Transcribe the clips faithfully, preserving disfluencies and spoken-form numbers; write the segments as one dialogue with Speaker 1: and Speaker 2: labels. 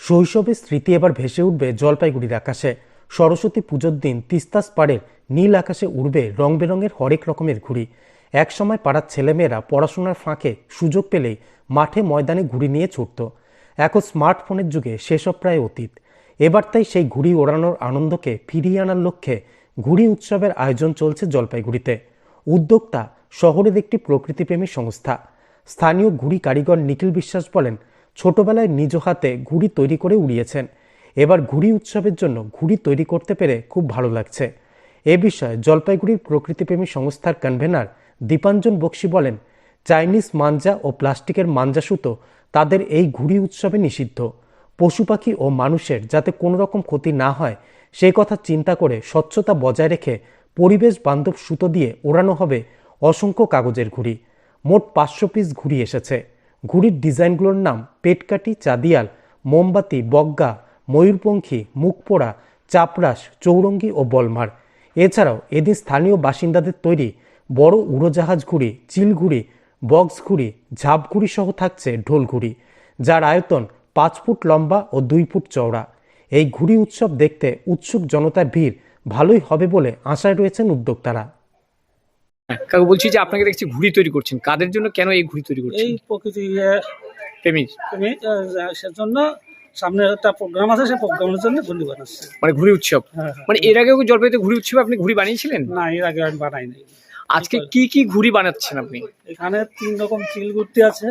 Speaker 1: শৈশবের স্মৃতি এবার ভেসে উঠবে জলপাইগুড়ির আকাশে। সরস্বতী পুজোর দিন তিস্তাস পাড়ের নীল আকাশে উড়বে রং বেরঙের হরেক রকমের ঘুড়ি। একসময় পাড়ার ছেলেমেয়েরা পড়াশোনার ফাঁকে সুযোগ পেলেই মাঠে ময়দানে ঘুড়ি নিয়ে ছুটত। এখন স্মার্টফোনের যুগে সেসব প্রায় অতীত। এবার তাই সেই ঘুড়ি ওড়ানোর আনন্দকে ফিরিয়ে আনার লক্ষ্যে ঘুড়ি উৎসবের আয়োজন চলছে জলপাইগুড়িতে। উদ্যোক্তা শহরের একটি প্রকৃতিপ্রেমী সংস্থা। স্থানীয় ঘুড়ি কারিগর নিখিল বিশ্বাস বলেন, ছোটবেলায় নিজ হাতে ঘুড়ি তৈরি করে উড়িয়েছেন। এবার ঘুড়ি উৎসবের জন্য ঘুড়ি তৈরি করতে পেরে খুব ভালো লাগছে। এ বিষয়ে জলপাইগুড়ির প্রকৃতিপ্রেমী সংস্থার কনভেনার দীপাঞ্জন বক্সি বলেন, চাইনিজ মাঞ্জা ও প্লাস্টিকের মাঞ্জা সুতো তাদের এই ঘুড়ি উৎসবে নিষিদ্ধ। পশু পাখি ও মানুষের যাতে কোনো রকম ক্ষতি না হয় সেই কথা চিন্তা করে স্বচ্ছতা বজায় রেখে পরিবেশ বান্ধব সুতো দিয়ে ওড়ানো হবে অসংখ্য কাগজের ঘুড়ি। মোট পাঁচশো পিস ঘুড়ি এসেছে। ঘুড়ির ডিজাইনগুলোর নাম পেটকাঠি, চাঁদিয়াল, মোমবাতি, বগ্গা, ময়ূরপঙ্খী, মুখপোড়া, চাপরাস, চৌরঙ্গি ও বলমার। এছাড়াও এদিন স্থানীয় বাসিন্দাদের তৈরি বড় উড়োজাহাজ ঘুড়ি, চিল ঘুড়ি, বক্স ঘুড়ি, ঝাপ ঘুড়ি সহ থাকছে ঢোল ঘুড়ি, যার আয়তন পাঁচ ফুট লম্বা ও দুই ফুট চওড়া। এই ঘুড়ি উৎসব দেখতে উৎসুক জনতার ভিড় ভালোই হবে বলে আশায় রয়েছেন উদ্যোক্তারা।
Speaker 2: কাকু বলছি যে আপনাকে দেখছি ঘুড়ি তৈরি করছেন, কাদের জন্য, কেন এই ঘুড়ি তৈরি করছেন?
Speaker 3: এই প্রকৃতি
Speaker 2: প্রেমী
Speaker 3: প্রেমী সেজন্য সামনে একটা প্রোগ্রাম আছে, সেই প্রোগ্রামের জন্য ঘুড়ি বানাচ্ছে।
Speaker 2: মানে ঘুড়ি উৎসব।
Speaker 3: হ্যাঁ, হ্যাঁ।
Speaker 2: মানে এর আগেও জলপাইতে ঘুড়ি উৎসবে আপনি ঘুড়ি বানিয়েছিলেন?
Speaker 3: না, এর আগে আমি বানাই নাই।
Speaker 2: আজকে কি কি ঘুড়ি বানাচ্ছেন আপনি?
Speaker 3: এখানে তিন রকম চিল গুর্তি আছে,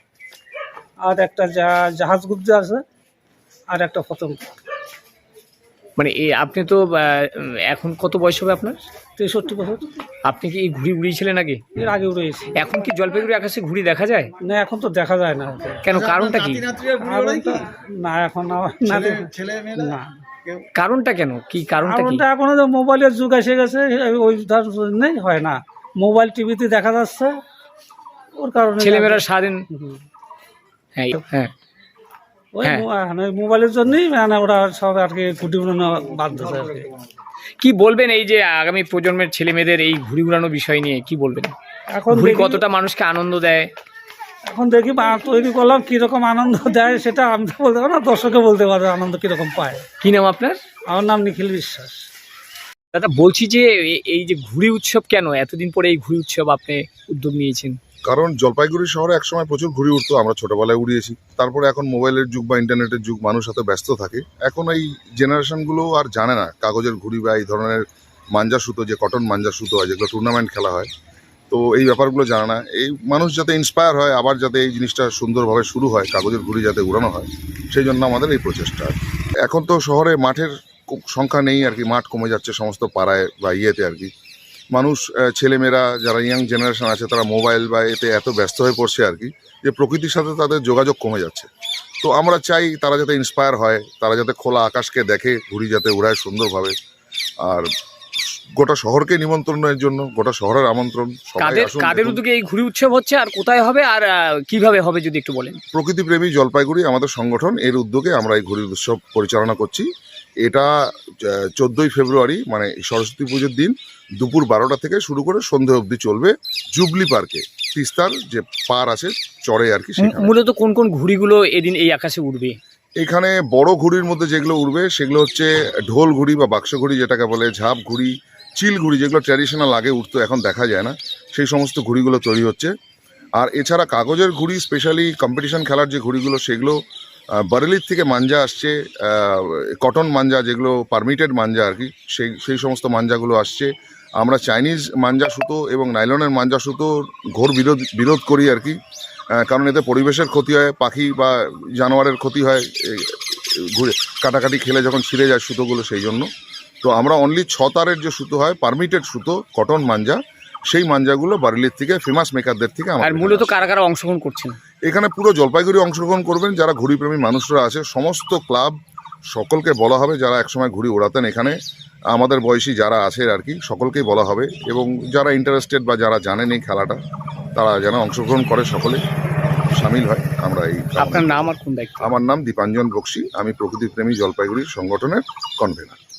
Speaker 3: আর একটা জাহাজ গুর্তি আছে, আর একটা পতঙ্গ।
Speaker 2: মানে এই আপনি তো এখন কত বয়স হবে আপনার?
Speaker 3: তেষট্টি বছর।
Speaker 2: আপনি কি এই ঘুড়ি উড়িয়েছিলেন আগে?
Speaker 3: এর আগে উড়েছি।
Speaker 2: এখন কি জলপাইগুড়ি আকাশে ঘুড়ি দেখা যায়?
Speaker 3: না, এখন তো দেখা যায় না।
Speaker 2: কেন, কারণটা কি?
Speaker 3: না, এখন না।
Speaker 2: কারণটা কেন, কি কারণটা কি?
Speaker 3: এখন তো মোবাইলের যুগ এসে গেছে, ওই জন্যই হয় না। মোবাইল টিভিতে দেখা যাচ্ছে, ওর কারণে
Speaker 2: ছেলেমেয়েরা সারাদিন। হ্যাঁ হ্যাঁ
Speaker 3: ওই মোবাইলের জন্যই মানে ওরা সব আর কি ঘুড়ি উড়ানো বাধ্য আর কি।
Speaker 2: কি বলবেন এই যে আগামী প্রজন্মের ছেলে মেয়েদের এই ঘুড়ি উড়ানো বিষয় নিয়ে কি বলবেন?
Speaker 3: এখন
Speaker 2: ঘুড়ি কতটা মানুষকে আনন্দ দেয়?
Speaker 3: এখন দেখি তৈরি করলাম, কিরকম আনন্দ দেয় সেটা আমি তো বলতে পারবো না, দর্শকে বলতে পারবে আনন্দ কিরকম পায়।
Speaker 2: কি নাম আপনার?
Speaker 3: আমার নাম নিখিল বিশ্বাস।
Speaker 2: দাদা বলছি যে এই যে ঘুড়ি উৎসব, কেন এতদিন পরে এই ঘুড়ি উৎসব আপনি উদ্যোগ নিয়েছেন?
Speaker 4: কারণ জলপাইগুড়ি শহরে একসময় প্রচুর ঘুড়ি উঠতো, আমরা ছোটবেলায় উড়িয়েছি। তারপরে এখন মোবাইলের যুগ বা ইন্টারনেটের যুগ, মানুষ এত ব্যস্ত থাকে, এখন এই জেনারেশনগুলো আর জানে না কাগজের ঘুড়ি বা এই ধরনের মাঞ্জা সুতো, যে কটন মাঞ্জা সুতো হয় যেগুলো টুর্নামেন্ট খেলা হয়, তো এই ব্যাপারগুলো জানে না। এই মানুষ যাতে ইন্সপায়ার হয়, আবার যাতে এই জিনিসটা সুন্দরভাবে শুরু হয়, কাগজের ঘুড়ি যাতে উড়ানো হয়, সেই জন্য আমাদের এই প্রচেষ্টা। এখন তো শহরে মাঠের সংখ্যা নেই আর কি, মাঠ কমে যাচ্ছে সমস্ত পাড়ায় বা ইয়েতে আর কি। মানুষ, ছেলেমেয়েরা যারা ইয়াং জেনারেশন আছে, তারা মোবাইল বা এতে এত ব্যস্ত হয়ে পড়ছে আর কি, যে প্রকৃতির সাথে তাদের যোগাযোগ কমে যাচ্ছে। তো আমরা চাই তারা যাতে ইন্সপায়ার হয়, তারা যাতে খোলা আকাশকে দেখে, ঘুড়ি যাতে উড়ায় সুন্দরভাবে। আর গোটা শহরকে নিমন্ত্রণের জন্য, গোটা শহরের আমন্ত্রণ।
Speaker 2: কাদের উদ্যোগে এই ঘুড়ি উৎসব হচ্ছে, আর কোথায় হবে, আর কিভাবে হবে যদি একটু বলেন?
Speaker 4: প্রকৃতিপ্রেমী জলপাইগুড়ি আমাদের সংগঠন, এর উদ্যোগে আমরা এই ঘুড়ি উৎসব পরিচালনা করছি। এটা চোদ্দোই ফেব্রুয়ারি মানে সরস্বতী পুজোর দিন দুপুর বারোটা থেকে শুরু করে সন্ধে অবধি চলবে জুবলি পার্কে, তিস্তার যে পার আছে চড়ে আর কি।
Speaker 2: মূলত কোন কোন ঘুড়িগুলো এদিন এই আকাশে উড়বে?
Speaker 4: এখানে বড় ঘুড়ির মধ্যে যেগুলো উড়বে সেগুলো হচ্ছে ঢোল ঘুড়ি বা বাক্স ঘুড়ি যেটাকে বলে, ঝাপ ঘুড়ি, চিল ঘুড়ি যেগুলো ট্র্যাডিশনাল আগে উঠতো এখন দেখা যায় না, সেই সমস্ত ঘুড়িগুলো তৈরি হচ্ছে। আর এছাড়া কাগজের ঘুড়ি, স্পেশালি কম্পিটিশন খেলার যে ঘুড়িগুলো, সেগুলো বারেলির থেকে মাঞ্জা আসছে, কটন মাঞ্জা যেগুলো পারমিটেড মাঞ্জা আর কি, সেই সেই সমস্ত মাঞ্জাগুলো আসছে। আমরা চাইনিজ মাঞ্জা সুতো এবং নাইলনের মাঞ্জা সুতোর ঘোর বিরোধ বিরোধ করি আর কি, কারণ এতে পরিবেশের ক্ষতি হয়, পাখি বা জানোয়ারের ক্ষতি হয়, ঘুরে কাটাকাটি খেলে যখন ছিঁড়ে যায় সুতোগুলো, সেই জন্য। তো আমরা অনলি ছ তারের যে সুতো হয়, পারমিটেড সুতো, কটন মাঞ্জা, সেই মাঞ্জাগুলো বারেলির থেকে ফেমাস মেকারদের থেকে।
Speaker 2: আর মূলত কারা কারা অংশগ্রহণ করছেন
Speaker 4: এখানে? পুরো জলপাইগুড়ি অংশগ্রহণ করবেন, যারা ঘুড়িপ্রেমী মানুষরা আছে, সমস্ত ক্লাব, সকলকে বলা হবে যারা একসময় ঘুড়ি ওড়াতেন এখানে, আমাদের বয়সী যারা আছে আর কি, সকলকেই বলা হবে। এবং যারা ইন্টারেস্টেড বা যারা জানেন এই খেলাটা, তারা যেন অংশগ্রহণ করে, সকলে সামিল হয়। আমরা এই।
Speaker 2: আপনার নাম আর কোন দায়িত্ব?
Speaker 4: আমার নাম দীপাঞ্জন বক্সি, আমি প্রকৃতিপ্রেমী জলপাইগুড়ি সংগঠনের কনভেনার।